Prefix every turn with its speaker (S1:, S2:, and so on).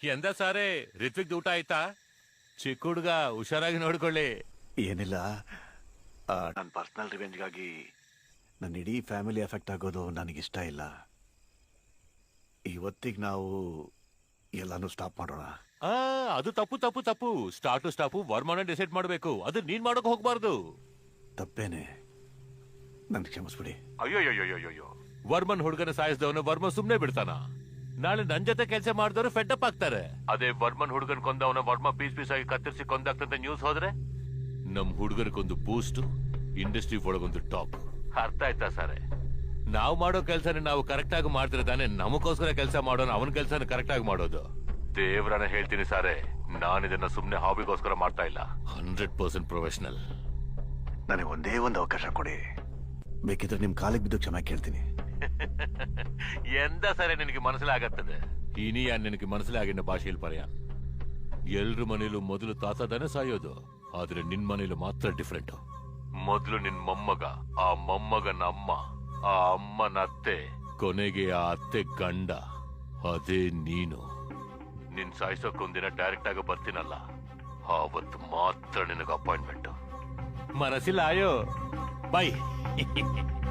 S1: ಎಂದ ಸಾರೆ ರಿತ್ವಿಕ್ ಊಟ ಆಯ್ತಾ? ಚಿಕ್ಕ ಹುಡುಗ ಹುಷಾರಾಗಿ ನೋಡ್ಕೊಳ್ಳಿ.
S2: ಏನಿಲ್ಲ, ನನ್ನ ಪರ್ಸನಲ್ ರಿವೆಂಜ್ಗಾಗಿ ನನ್ನ ಇಡೀ ಫ್ಯಾಮಿಲಿ ಎಫೆಕ್ಟ್ ಆಗೋದು ನನಗಿಷ್ಟ ಇಲ್ಲ. ಇವತ್ತಿಗೆ ನಾವು ಎಲ್ಲಾನು ಸ್ಟಾಪ್ ಮಾಡೋಣ.
S1: ಅದು ತಪ್ಪು ತಪ್ಪು ತಪ್ಪು. ಸ್ಟಾಪು ವರ್ಮನ ಡಿಸೈಡ್ ಮಾಡ್ಬೇಕು, ಅದು ನೀನ್ ಮಾಡೋಕ್ ಹೋಗ್ಬಾರ್ದು.
S2: ತಪ್ಪೇನೆ, ನನ್ ಕ್ಷಮಿಸ್ಬಿಡಿ.
S1: ಅಯ್ಯೋ ವರ್ಮನ್ ಹುಡುಗನ ಸಾಯಿಸಿದವನು ವರ್ಮ ಸುಮ್ನೆ ಬಿಡ್ತಾನ? ನಾಳೆ ನನ್ ಜೊತೆ ಕೆಲಸ ಮಾಡಿದವರು ಫೆಡ್ಅಪ್ ಆಗ್ತಾರೆ. ಅದೇ ವರ್ಮನ್ ಹುಡುಗನ್ ಕೊಂದವನ ವರ್ಮ ಪೀಸ್ ಪೀಸ್ ಆಗಿ ಕತ್ತರಿಸಿ ಕೊಂದಾಗ್ತಂತ ನ್ಯೂಸ್ ಹೋದ್ರೆ ನಮ್ ಹುಡುಗರಿಗೊಂದು ಬೂಸ್ಟ್, ಇಂಡಸ್ಟ್ರಿ ಒಳಗೊಂದು ಟಾಪ್. ಅರ್ಥ ಆಯ್ತಾ ಸಾರೆ? ನಾವ್ ಮಾಡೋ ಕೆಲ್ಸನ ನಾವು ಕರೆಕ್ಟ್ ಆಗಿ ಮಾಡ್ತಿರ ತಾನೆ ನಮಗೋಸ್ಕರ ಕೆಲಸ ಮಾಡೋಣ, ಅವನ ಕೆಲ್ಸನ ಕರೆಕ್ಟ್ ಆಗಿ ಮಾಡೋದು. ದೇವ್ರನ್ನ ಹೇಳ್ತೀನಿ ಸಾರೆ, ನಾನಿದನ್ನ ಸುಮ್ನೆ ಹಾಬಿಗೋಸ್ಕರ ಮಾಡ್ತಾ ಇಲ್ಲ. 100% ಪ್ರೊಫೆಷನಲ್.
S2: ನನಗೆ ಒಂದೇ ಒಂದು ಅವಕಾಶ ಕೊಡಿ, ಬೇಕಿದ್ರೆ ನಿಮ್ ಕಾಲಿಗೆ ಬಿದ್ದು ಕ್ಷಮೆ ಕೇಳ್ತೀನಿ.
S1: ಎಂದ ಸರಿ ನಿನಗೆ ಮನಸ್ಸಿಲಾಗತ್ತದೆ? ಇನಿಯ ನಿನಗೆ ಮನಸ್ಸಿಲಾಗಿನ ಭಾಷೆಯಲ್ಲಿ ಪರ್ಯಾನ್. ಎಲ್ರ ಮನೇಲೂ ಮೊದಲು ತಾತದನೆ ಸಾಯೋದು, ಆದ್ರೆ ನಿನ್ ಮನೇಲೂ ಮಾತ್ರ ಡಿಫ್ರೆಂಟ್. ಮೊದಲು ನಿನ್ ಮೊಮ್ಮಗ, ಆ ಮೊಮ್ಮಗನ ಅಮ್ಮ, ಆ ಅಮ್ಮನ ಅತ್ತೆ, ಕೊನೆಗೆ ಆ ಅತ್ತೆ ಗಂಡ, ಅದೇ ನೀನು. ನಿನ್ ಸಾಯಿಸೋಕೊಂದಿನ ಡೈರೆಕ್ಟ್ ಆಗಿ ಬರ್ತೀನಲ್ಲ, ಆವತ್ತು ಮಾತ್ರ ನಿನಗೆ ಅಪಾಯಿಂಟ್ಮೆಂಟ್. ಮನಸ್ಸಿಲ್ಲ ಆಯೋ. ಬೈ.